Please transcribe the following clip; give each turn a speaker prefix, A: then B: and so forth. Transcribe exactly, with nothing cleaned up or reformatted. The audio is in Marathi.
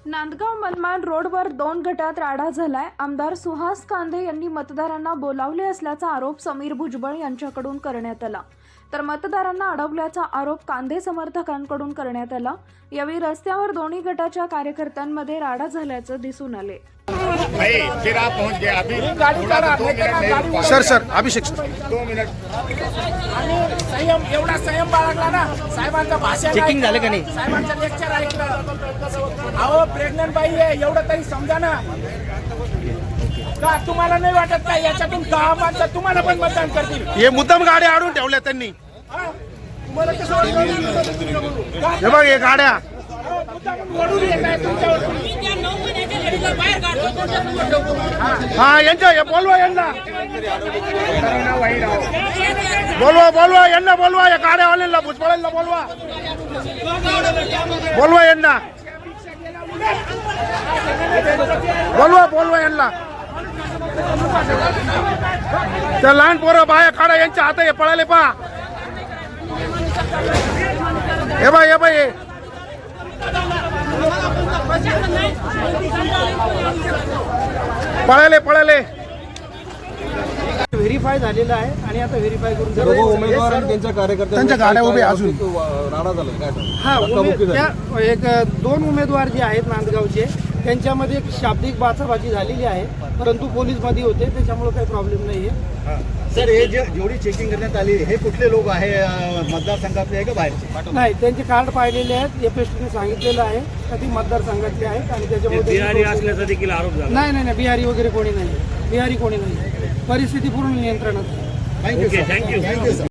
A: नांदगाव मनमाड रोडवर दोन गटात राडा झालाय। आमदार सुहास कांदे यांनी मतदारांना बोलावले असल्याचा आरोप समीर भुजबळ यांच्याकडून करण्यात आला, तर मतदारांना अडवल्याचा आरोप कांदे समर्थकांकडून करण्यात आला। यावेळी रस्त्यावर दोन्ही गटाच्या कार्यकर्त्यांमध्ये राडा झाल्याचं दिसून आले।
B: फिर आप पहुंच गए अभी थोड़ा दो मिनट
C: सर सर अभिषेक
B: दो मिनट
D: आणि संयम एवढा संयम बाळगला ना। साहेबांचं भाषण
C: चेकिंग झालं का नाही?
D: साहेबांचं लेक्चर ऐकलं। अहो प्रेग्नंट बाई आहे एवढं तरी समजा ना। का तुम्हाला नाही वाटत का याच्यातून दहा माणसं तुम्हाला पण मतदान करतील?
C: हे मुद्दाम गाड्या आडून ठेवल्या त्यांनी।
D: हा? तुम्हाला कसं वाटतं?
C: हे बघ हे गाड्या
D: अहो, मुद्दाम ओढून येत आहे तुमच्यावर।
C: हा यांच्या हे बोलवा यांना बोलवा बोलवा यांना बोलवा या गाड्यावाल्यांना भुजबळांना बोलवा बोलवा यांना बोलवा बोलवा यांना त्या लहान पोरं बाया काढा यांच्या हात हे पळाले पा हे बाय हे बाय पळाले पळाले
E: व्हेरीफाय झालेलं आहे आणि आता व्हेरीफाय करून
F: सर्व उमेदवार आणि त्यांच्या कार्यकर्त्यांच्या
C: त्यांच्या गाड्या उभ्या अजून
F: राडा झाला काय
E: हा उमे- त्या एक दोन उमेदवार जे आहेत नांदगावचे त्यांच्यामध्ये एक शाब्दिक बाचाबाची झालेली आहे, परंतु पोलीस मध्ये होते त्याच्यामुळे काही प्रॉब्लेम नाही आहे।
G: सर हे जे जेवढी चेकिंग करण्यात आली हे कुठले लोक आहे? मतदारसंघातले आहे का बाहेरचे?
E: नाही, त्यांचे कार्ड पाहिलेले आहेत, एपीएसटीने सांगितलेलं आहे का ती मतदारसंघातले आहेत आणि त्याच्यामुळे
D: बिहारी असल्याचा देखील आरोप झाला।
E: नाही नाही नाही बिहारी वगैरे कोणी नाही, बिहारी कोणी नाही, परिस्थिती पूर्ण नियंत्रणात आहे।
G: Thank you thank you thank you sir.